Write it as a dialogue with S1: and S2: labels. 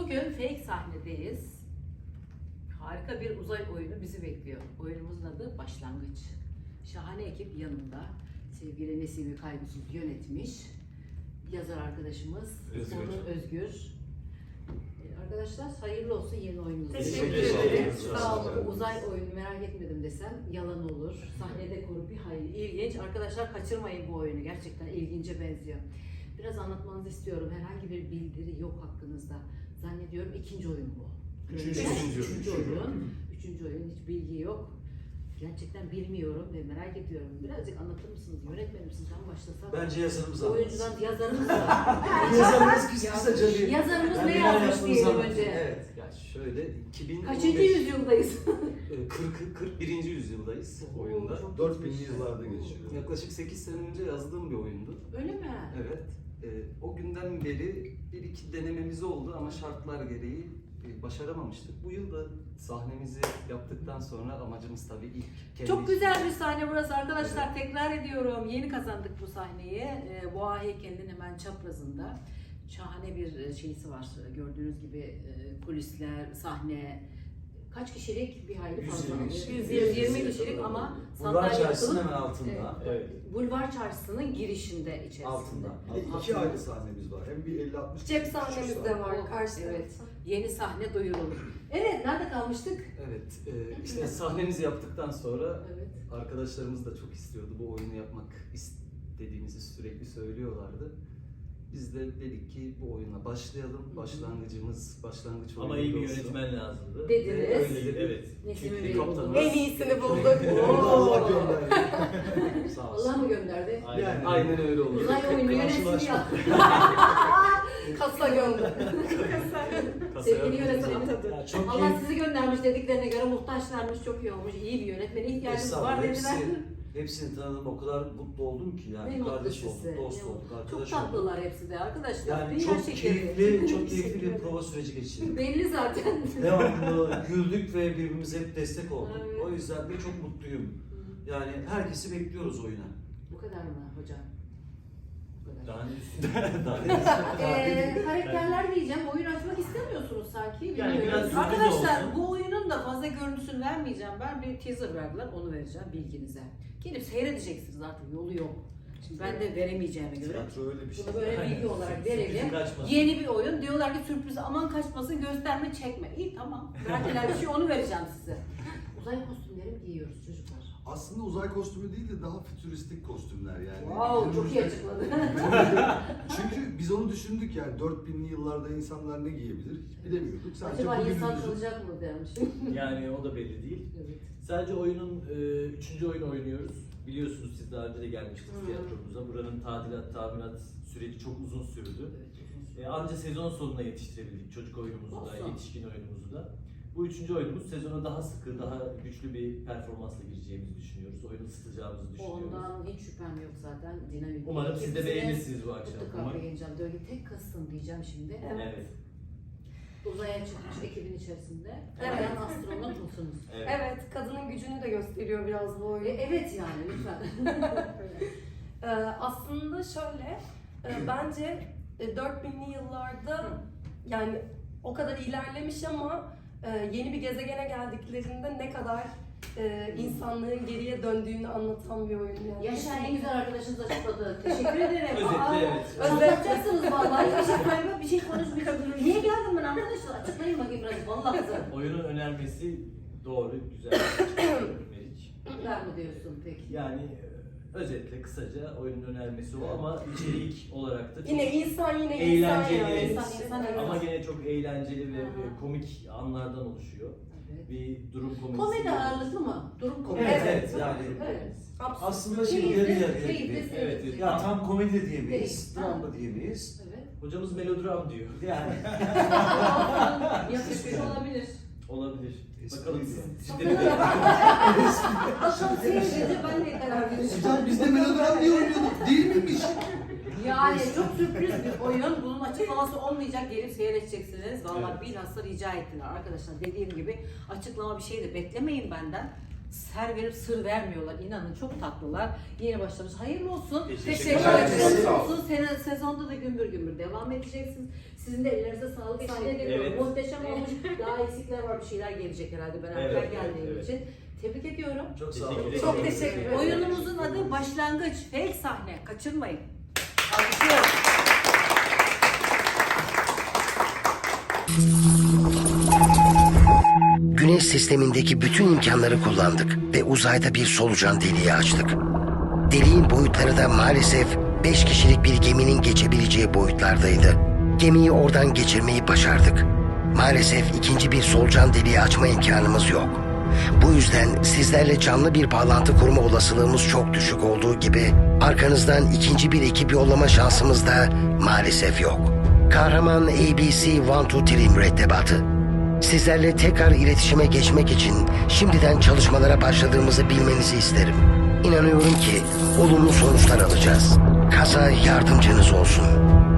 S1: Bugün fake sahnedeyiz. Harika bir uzay oyunu bizi bekliyor. Oyunumuzun adı Başlangıç. Şahane ekip yanımda. Sevgili Nesimi Kaygısız yönetmiş. Yazar arkadaşımız Onur Özgür. Arkadaşlar hayırlı olsun yeni oyununuz.
S2: Teşekkür ederim.
S1: Sağ olun. Uzay oyunu merak etmedim desem yalan olur. Sahnede kuru bir hayli ilginç. Arkadaşlar kaçırmayın bu oyunu. Gerçekten ilgince benziyor. Biraz anlatmanızı istiyorum. Herhangi bir bildiri yok hakkınızda. Zannediyorum ikinci oyun bu. Üçüncü oyun. Üçüncü oyun. Hiç bilgi yok. Gerçekten bilmiyorum ve merak ediyorum. Birazcık anlatır mısınız? Yönetmenim sizden başlasak.
S2: Bence yazarımız anlatsın.
S1: Oyuncudan yazarımız var.
S2: Yazarımız kısaca bir...
S1: Yazarımız
S2: Yani
S1: ne
S2: neler
S1: yazmış
S2: yaptığımızı
S1: diyelim
S2: anlatın.
S1: önce.
S2: Evet. Ya şöyle 2015...
S1: Kaçıncı yüzyıldayız?
S2: 41. yüzyıldayız oyunda.
S1: çok
S3: 4000'li
S1: geçmiş.
S3: yıllarda geçiyor.
S2: Yaklaşık 8 sene önce yazdığım bir oyundu.
S1: Öyle mi?
S2: Evet. O günden beri bir iki denememiz oldu ama şartlar gereği başaramamıştık. Bu yıl da sahnemizi yaptıktan sonra amacımız tabii ilk kendi
S1: Çok güzel bir sahne burası arkadaşlar. Evet. Tekrar ediyorum. Yeni kazandık bu sahneyi. Boğa heykelinin hemen çaprazında. Şahane bir şeysi var. Gördüğünüz gibi kulisler, sahne. Kaç kişilik? Bir hayli fazla. 120 kişilik ama
S2: Bulvar Çarşısı'nın
S1: yapılıp,
S2: hemen altında.
S1: Evet. Bulvar Çarşısı'nın girişinde içerisinde.
S2: Altında.
S3: İki ayrı sahnemiz var. Hem bir 50-60
S4: Cep sahnemiz de var karşı
S1: Evet.
S4: tarafta.
S1: Yeni sahne duyurulur. Evet, nerede kalmıştık?
S2: Evet. İşte sahnemizi yaptıktan sonra
S1: Evet.
S2: arkadaşlarımız da çok istiyordu. Bu oyunu yapmak istediğimizi sürekli söylüyorlardı. Biz de dedik ki bu oyuna başlayalım. Başlangıç oyunu
S5: Ama iyi bir
S2: olsun.
S5: yönetmen lazımdı.
S1: Dediniz.
S2: Öyle dedi.
S5: Evet.
S1: Nesimi
S2: Çünkü
S1: Bey'i
S2: kaptanımız-
S1: bulduk.
S4: En iyisini bulduk.
S3: Allah gönderdi.
S2: Sağ olsun.
S1: Allah mı gönderdi?
S5: Aynen.
S2: Aynen öyle oldu.
S1: Uzay oyunu yönetimi
S2: Karşılaşma.
S1: ya.
S4: Kasa gönder.
S1: Sevgili yönetmenim.
S5: Ya çok
S1: Allah
S5: iyi.
S1: sizi göndermiş dediklerine göre muhtaçlarmış, çok iyi olmuş. İyi bir yönetmene ihtiyacımız var
S6: Estağfurullah.
S1: dediler.
S6: Hepsini tanıdım. O kadar mutlu oldum ki
S1: Ne
S6: yani.
S1: mutlu
S6: Kardeş
S1: size,
S6: olduk,
S1: ne
S6: dost
S1: mutlu.
S6: olduk,
S1: Çok
S6: arkadaş olduk.
S1: tatlılar hepsi de arkadaşlar.
S6: Yani
S1: Dünya
S6: çok
S1: şekeri.
S6: keyifli, çok keyifli bir prova süreci geçirdik.
S1: Belli zaten.
S6: Devamlı güldük ve birbirimize hep destek olduk.
S1: Evet.
S6: O yüzden de çok mutluyum. Yani herkesi bekliyoruz oyuna.
S1: Bu kadar mı hocam? Bu kadar.
S5: Daha ne üstüne?
S6: Daha ne
S1: Karakterler diyeceğim, oyun açmak istemiyorsunuz sanki.
S5: Yani
S1: Bilmiyorum.
S5: biraz sürpriz
S1: Arkadaşlar
S5: olsun.
S1: bu oyunun da fazla görüntüsünü vermeyeceğim. Ben bir teaser verdiler, onu vereceğim bilginize. Gelip seyredeceksiniz artık, yolu yok. Şimdi ben de veremeyeceğime göre.
S3: Tiyatro öyle bir şey.
S1: Bunu böyle bilgi olarak verelim.
S5: Sürprizin kaçmasın.
S1: Yeni bir oyun. Diyorlar ki sürpriz aman kaçmasın, gösterme çekme. İyi tamam. Verdiler bir şey, onu vereceğim size. Uzay kostümleri mi giyiyoruz çocuklar?
S3: Aslında uzay kostümü değil de daha fütüristik kostümler yani.
S1: Wow, çok iyi açıkladı.
S3: Çünkü biz onu düşündük yani 4000'li yıllarda insanlar ne giyebilir hiç bilemiyorduk. Sadece
S1: Acaba insan
S3: bugünümüzün-
S1: kalacak mı dermiş.
S5: Yani o da belli değil.
S1: Evet.
S5: Sadece oyunun 3. oyunu oynuyoruz. Biliyorsunuz siz daha önce de gelmiştiniz tiyatromuza. Buranın tadilat, tamirat süreci çok uzun sürdü. Anca sezon sonuna yetiştirebildik çocuk oyunumuzu da,
S1: Olsun.
S5: yetişkin oyunumuzu da. Bu 3. oyunumuz sezona daha sıkı, daha güçlü bir performansla gireceğimizi düşünüyoruz. Oyunu ısıtacağımızı düşünüyoruz.
S1: Ondan hiç şüphem yok zaten. Dinamik.
S5: Umarım siz de
S1: Hepsine
S5: beğenirsiniz bu akşam.
S1: mutlaka
S5: Umarım.
S1: beğeneceğim. Böyle tek kastım diyeceğim şimdi.
S5: Evet.
S1: Uzaya çıkmış ekibin içerisinde.
S4: Evet.
S1: Bayan astronot musunuz?
S5: Evet.
S4: Evet, kadının gücünü de gösteriyor biraz bu oyun.
S1: Evet yani lütfen.
S4: Aslında şöyle, bence 4000'li yıllarda yani o kadar ilerlemiş ama yeni bir gezegene geldiklerinde ne kadar insanlığın geriye döndüğünü anlatan bir oyun yani.
S1: Yaşayan en güzel arkadaşınız açıkladı. Teşekkür ederim.
S5: Özetle evet.
S1: Anlatacaksınız vallahi. Bir şey koyma, bir şey konuşmuyor. Niye geldim ben arkadaşlar? Açıklayın bakayım biraz. Vallahi kızım.
S5: Oyunun önermesi doğru, güzel. Meriç.
S1: Ver mi diyorsun peki?
S5: Yani özetle kısaca oyunun önermesi o ama içerik olarak da çok
S4: Yine insan yani.
S5: eğlenceli
S1: İnsan, evet.
S5: ama gene çok eğlenceli ve
S1: Hı hı.
S5: komik anlardan oluşuyor.
S1: Evet.
S5: Bir durum komedisi.
S1: Komedi ağırlıklı mı? Durum komedi.
S6: Evet,
S4: Evet.
S6: yani
S1: Evet.
S6: aslında şey
S1: Keyifli,
S6: yarı yarıya
S1: keyifli,
S6: gibi.
S1: keyifli.
S5: Evet.
S6: Ya tam komedi de diyemeyiz,
S1: Değil.
S6: dram da diyemeyiz.
S1: Evet.
S5: Hocamız melodram diyor. Yani
S1: Yakışmış olabilir.
S5: olabilir.
S6: Espri
S5: Bakalım
S6: diyor.
S5: siz de
S1: Bakalım seyredince ben de karar vereceğim.
S3: Hocam biz de melodram diye oynuyorduk değil miymiş?
S1: Yani çok sürpriz bir oyun. Bunun açıklaması olmayacak. Gelip seyredeceksiniz. Vallahi
S5: Evet.
S1: bilhassa rica ettiler arkadaşlar. Dediğim gibi açıklama bir şey de beklemeyin benden. ser verip sır vermiyorlar. İnanın çok tatlılar. Yeni başlamış. Hayırlı olsun.
S5: Teşekkür
S1: ederim.
S3: ederim.
S1: Hayırlı
S3: Sağ
S1: olsun. Sezonda da gümbür gümbür devam edeceksiniz. Sizin de ellerinize sağlık. Sahne de
S5: Evet.
S1: muhteşem olmuş. Daha eksikler var. Bir şeyler gelecek herhalde. Ben erken
S5: Evet,
S1: geldiğim
S5: evet.
S1: için. Tebrik ediyorum.
S6: Çok sağ
S5: Teşekkür
S6: olun.
S5: ederim.
S4: Çok teşekkür ederim.
S1: Oyunumuzun adı Başlangıç. Fake sahne. Kaçırmayın. Alkışlıyorum.
S7: Güneş sistemindeki bütün imkanları kullandık ve uzayda bir solucan deliği açtık. Deliğin boyutları da maalesef 5 kişilik bir geminin geçebileceği boyutlardaydı. Gemiyi oradan geçirmeyi başardık. Maalesef ikinci bir solucan deliği açma imkanımız yok. Bu yüzden sizlerle canlı bir bağlantı kurma olasılığımız çok düşük olduğu gibi arkanızdan ikinci bir ekip yollama şansımız da maalesef yok. Kahraman ABC 123 mürettebatı. Sizlerle tekrar iletişime geçmek için şimdiden çalışmalara başladığımızı bilmenizi isterim. İnanıyorum ki olumlu sonuçlar alacağız. Kasa yardımcınız olsun.